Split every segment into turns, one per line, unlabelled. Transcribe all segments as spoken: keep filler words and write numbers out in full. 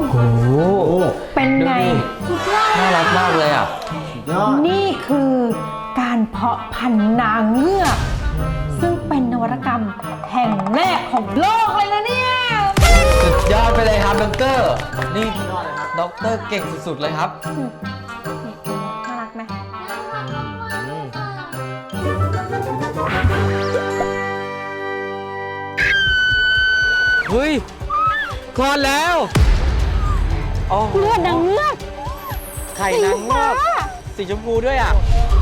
โห
เป็นไง
น่ารักมากเลยอ่ะ
นี่คือการเพาะพันธุ์นางเงือกซึ่งเป็นนวัตกรรมแห่งแรกของโลกเลยนะเนี่ย
สุดยอดไปเลยครับดรนี่ดรเก่งสุดๆเลยครับ
น่ารักไหม
เฮ้ยคลอดแล้ว
เลือดนางเงือก
ไข่นางเงือกสีชมพูด้วยอ่ะ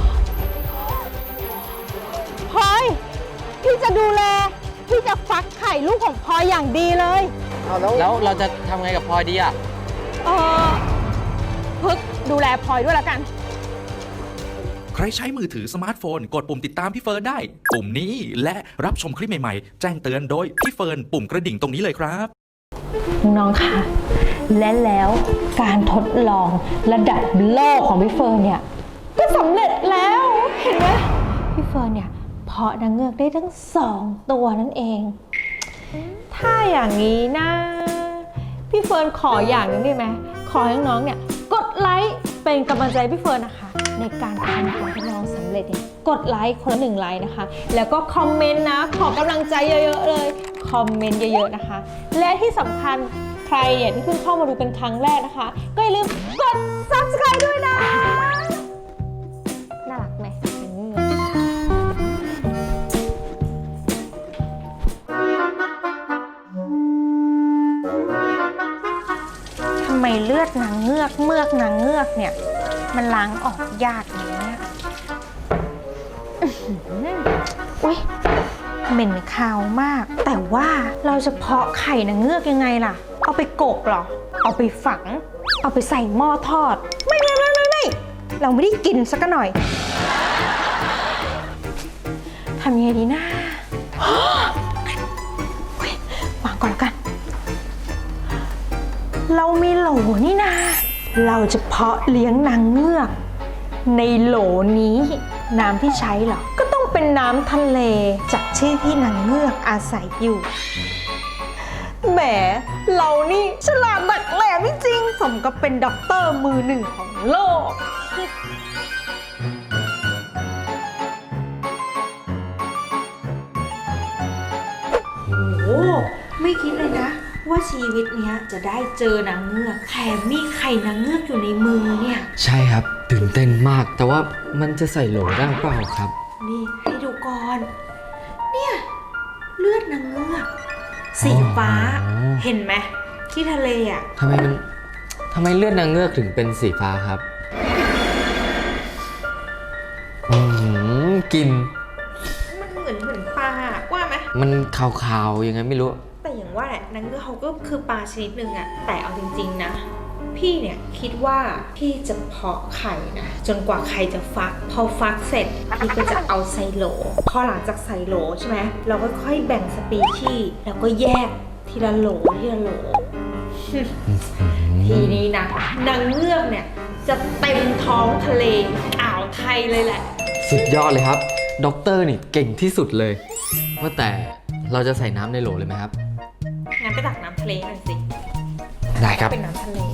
พลอยพี่จะดูแลพี่จะฟักไข่ลูกของพลอยอย่างดีเลย
แล้วเราจะทำไงกับพลอยดีอ่ะ
เออพึกดูแลพลอยด้วยละกัน
ใครใช้มือถือสมาร์ทโฟนกดปุ่มติดตามพี่เฟิร์นได้ปุ่มนี้และรับชมคลิปใหม่ๆแจ้งเตือนโดยพี่เฟิร์นปุ่มกระดิ่งตรงนี้เลยครับ
น้องค่ะและแล้วการทดลองระดับโลกของพี่เฟิร์นเนี่ยก็สำเร็จแล้วเห็นไหมพี่เฟิร์นเนี่ยเพาะนางเงือกได้ทั้งสองตัวนั่นเองถ้าอย่างนี้นะพี่เฟิร์นขออย่างนึงได้ไหมขอให้น้องเนี่ยกดไลค์เป็นกำลังใจพี่เฟิร์นนะคะในการทำการทดลองสำเร็จเนี่ยกดไลค์คนละหนึ่งไลค์นะคะแล้วก็คอมเมนต์นะขอกำลังใจเยอะๆเลยคอมเมนต์เยอะๆนะคะและที่สำคัญใครเนี่ยที่เพิ่งเข้ามาดูเป็นครั้งแรกนะคะก็อย่าลืมกด ซับสไครบ์ ด้วยนะน่ารักไหมทำไมเลือดนางเงือกเมือกนางเงือกเนี่ยมันล้างออกยากอย่างนี้เนี่ยอุ๊ยเหม็นคาวมากแต่ว่าเราจะเพาะไข่นางเงือกยังไงล่ะเอาไปกบเหรอเอาไปฝังเอาไปใส่หม้อทอดไม่ไม่ไม่ไม่ไม่เราไม่ได้กินสักหน่อยทำยังไงดีนะวางก่อนแล้วกันเรามีโหลนี่นะเราจะเพาะเลี้ยงนางเงือกในโหลนี้น้ำที่ใช้เหรอก็ต้องเป็นน้ำทะเลจากที่ที่นางเงือกอาศัยอยู่แหมเรานี่ฉลาดดักแหลมจริงๆสมกับเป็นด็อกเตอร์มือหนึ่งของโลกโอ้ไม่คิดเลยนะว่าชีวิตเนี้ยจะได้เจอนางเงือกแถมมีไข่นางเงือกอยู่ในมือเนี่ย
ใช่ครับตื่นเต้นมากแต่ว่ามันจะใส่โหลได้เปล่าครับ
นี่ให้ดูก่อนเนี่ยเลือดนางเงือกสีฟ้าเห็นไหมที่ทะเลอ่ะ
ทำไมมันทำไมเลือดนางเงือกถึงเป็นสีฟ้าครับอืมกลิ่น
มันเหมือนเหมือนปลาว่าไหม
มันขาวๆยังไงไม่รู้
แต่อย่างว่าแหละนางเงือกเขาก็คือปลาชนิดหนึ่งอะแต่เอาจริงๆนะพี่เนี่ยคิดว่าพี่จะเพาะไข่นะจนกว่าไข่จะฟักพอฟักเสร็จพี่ก็จะเอาใส่โหลพอหลังจากใส่โหลใช่ไหมเราก็ค่อยแบ่งสปีชีส์แล้วก็แยกทีละโหลทีละโหลทีนี้นะนางเงือกเนี่ยจะเต็มท้องทะเลอ่าวไทยเลยแหละ
สุดยอดเลยครับด็อกเตอร์นี่เก่งที่สุดเลยว่าแต่เราจะใส่น้ำในโหลเลยไหมครับ
งั้นไปตักน้ำทะเลหน่อยสิ
ได้ครับ
เป็นน้ำทะเล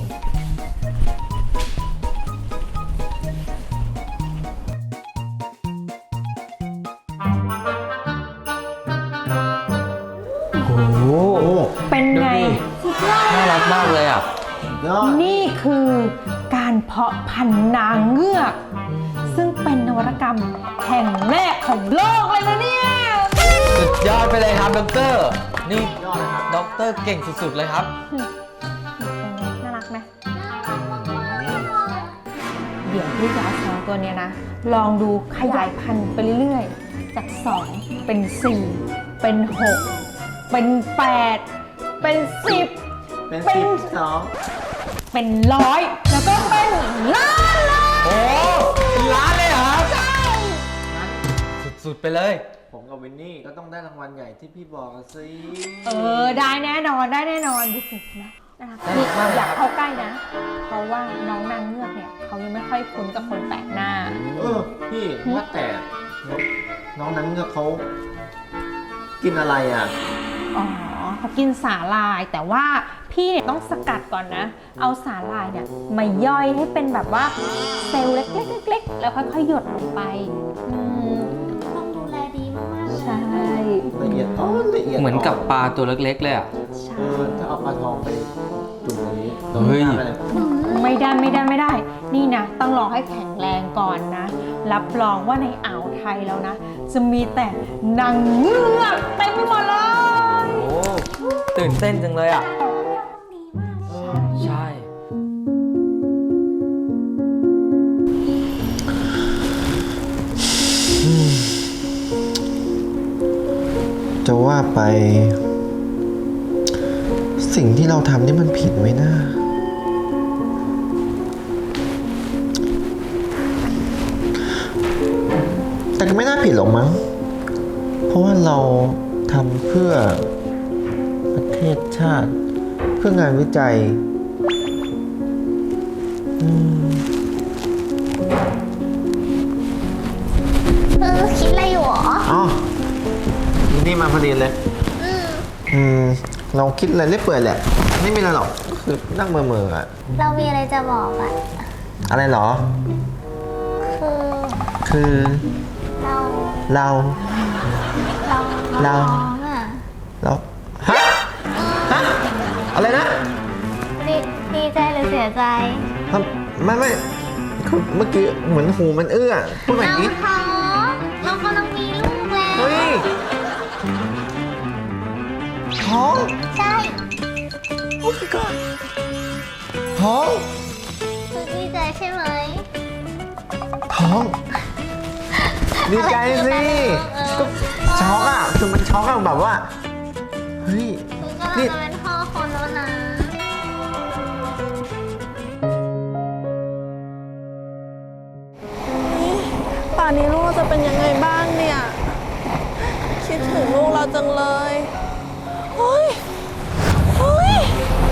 โอ้โห
เป็นไง
น่ารักมากเลยอ่ะ
นี่คือการเพาะพันธุ์นางเงือกซึ่งเป็นนวัตกรรมแห่งแรกของโลกเลยนะเนี่ย
สุดยอดไปเลยครับดรนี่ดรเก่งสุดๆเลยครับ
น่ารักไหมเดี๋ยวพี่จะเอาสองตัวเนี้ยนะลองดูขยายพันธุ์ไปเรื่อยๆจากสองเป็นสี่เป็นหกเป็นแปดเป็นสิบ
เป็นสิบสอง
เป็นร้อยแล้วก็เป็นล้านเลย
โอ้เป็นล้านเลยเหรอครับใช่สุดๆไปเลย
ผมกับวินนี่ก็ต้องได้รางวัลใหญ่ที่พี่บอกสิ
เออได้แน่นอนได้แน่นอนดูสินะนะคะนี่อยากเข้าใกล้นะเพราะว่าน้องนางเงือกเนี่ยเขายังไม่ค่อยคุ้นกับคนแปลกหน้า
เออพี่ว่าแต่น้องนางเงือกเขากินอะไรอ่ะ
อ๋อเขากินสาหร่ายแต่ว่าพี่เนี่ยต้องสกัดก่อนนะ เอาสาหร่ายเนี่ยมาย่อยให้เป็นแบบว่าเซลล์เล็กๆๆๆแล้วค่อยๆหยดลงไปอืม
ต้องดูแลดีมากๆเลย
ใช่
ละเอียดอ๋อละเอียด
เหมือนกับปลาตัวเล็กๆเลยอ่ะ
ใช่
เออถ้าเอาปลาทองไปจุ่มอย่างนี้
เฮ้ย
น้ำอะไร
ไม่ได้ไม่ได้ไม่ได้ นี่นะต้องรอให้แข็งแรงก่อนนะ รับรองว่าในอ่าวไทยแล้วนะ จะมีแต่นางเงือกเต็มไปหมดเลย
โอ้ตื่นเต้นจังเลยอ่ะ ใช่
จะว่าไป สิ่งที่เราทำนี่มันผิดไหมนะแต่ก็ไม่น่าผิดหรอกมั้ง เพราะว่าเราทำเพื่อประเทศชาติ เพื่องานวิจัย อืม
เออคิดอะไรอยู่หรอ
อ๋อนี่มาพอดีเลย
อืม
อืม เราคิดอะไรเรื่อยเปื่อยแหละ ไม่มีอะไรหรอกก็คือนั่งเมื่อเมื่อๆอะ
เรามีอะไรจะบอกอะ
อะไรเหรอ
คือ
คือ
เรา
เรา
เรา
เรา
ท้องอะ
เราฮะ ฮะ อะไรนะ
ดีดีใจหรือเสียใจ
ทำไม่ไม่คือเมื่อกี้เหมือนหูมันเอื้อพูดแบบ
เรา
นี้
ท้องเรากำลังมีลูกแล้ว
เฮ้ย ท้อง
ใช่
โอ้ my god ท้อง
คือดีใจใช่ไหม
ท้อง ดีใจสิ
เออ
ก็ช็อกอ่ะ คือมันช็อกอะแบบว่า เฮ้ย
คือกำลัง
นี่
จะเป็นพ่อคนแล้วนะ
ป่านนี้ลูกเราจะเป็นยังไงบ้างเนี่ย คิดถึงลูกเราจังเลยเฮ้ยเฮ้ย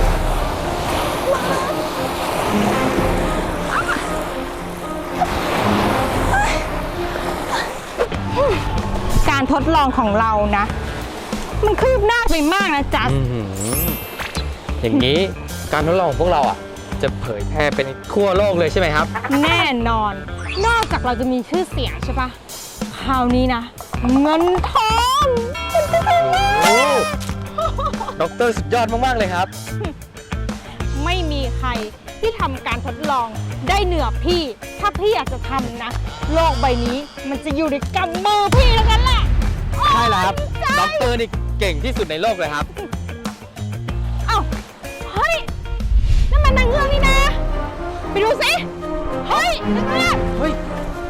การทดลองของเรานะ มันคืบหน้าไปมากนะจ๊ะ
อื้อหืออย่างนี้การทดลองของพวกเราอ่ะ จะเผยแพร่เป็นทั่วโลกเลยใช่ไหมครับ
แน่นอน นอกจากเราจะมีชื่อเสียงใช่ปะคราวนี้นะ เงินทอง
โอ้ด็อกเตอร์สุดยอดมาก ๆ เลยครับ
ไม่มีใครที่ทำการทดลองได้เหนือพี่ ถ้าพี่อยากจะทำนะ โลกใบนี้มันจะอยู่ในกำมือพี่แล้วกันแหละ
ใช่แล้วครับ ด็อกเตอร์นี่เก่งที่สุดในโลกเลยครับ
เอ้า เฮ้ยนั่นมันนางเงือกนี่นะ ไปดูสิ เฮ้ยนางเงือก
เฮ้ย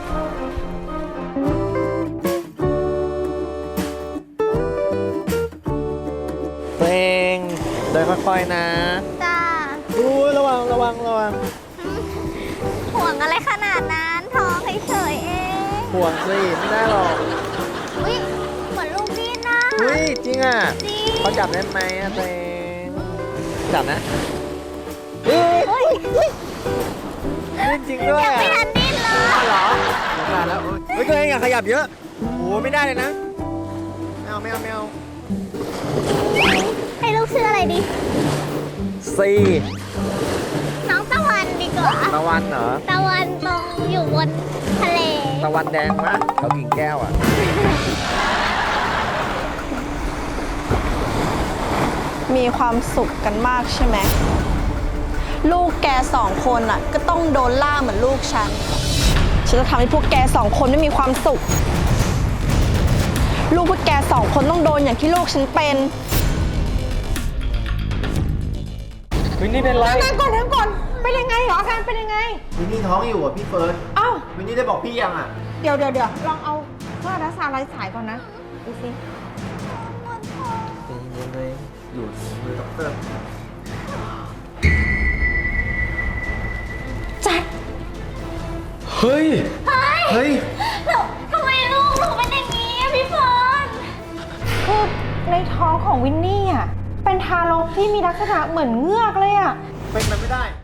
เพลงเดินค่อยๆนะ
จ้า
อู้ระวังระวังระวัง
ห่วงอะไรขนาดนั้นท้องเฉยๆเอง
ห่วงสิไม่ได้หรอก
อุ้ยเหมือนลูกดิ้นนะ
เฮ้ย จริงอ่ะ
จริง
เขาจับได้ไหมอะเพลงจับนะเฮ้ย
เฮ้ย
ดิ้นจริงด้วย
ยัง
อะ
ไม่ทันดิ้นเลย
เหรอสงสารแล้วเฮ้ยตัวเองอย่าขยับเยอะโอ้ไม่ได้เลยนะไม่เอาไม่เอาไม่เอา
ให้ลูกชื่ออะไรดี
สี่
น้องตะวันดีกว่า
ตะวันเหรอ
ตะวันตรงอยู่บนทะเล
ตะวันแดงมะเขากิ่งแก้วอ่ะ
มีความสุขกันมากใช่ไหม ลูกแกสองคนอ่ะ ก็ต้องโดนล่าเหมือนลูกฉัน ฉันจะทำให้พวกแกสองคนไม่มีความสุข ลูกพวกแกสองคนต้องโดนอย่างที่ลูกฉันเป็น
วินนี่เป็นไร
นั่งก่อนนั่งก่อน เป็นยังไงเหรออาการเป็นยังไง
วินนี่ท้องอยู่อ่ะพี่เฟิร์น
เอ้า
วินนี่ได้บอกพี่ยังอ่ะ
เดี๋ยวเดี๋ยวเดี๋ยวลองเอาเครื่องรักษาลายสายก่อนนะ ดูสิ
เป็นยังไงอยู่มือด็อกเตอร์
เฮ้ย
เฮ้ย
แล้วทำไมลูกหนูเป็นอย่างนี้อะพี่เฟิร์น
คือในท้องของวินนี่อ่ะ เป็นทารกที่มีลักษณะเหมือนเงือกเลยอ่ะ
เป็นไปไม่ได้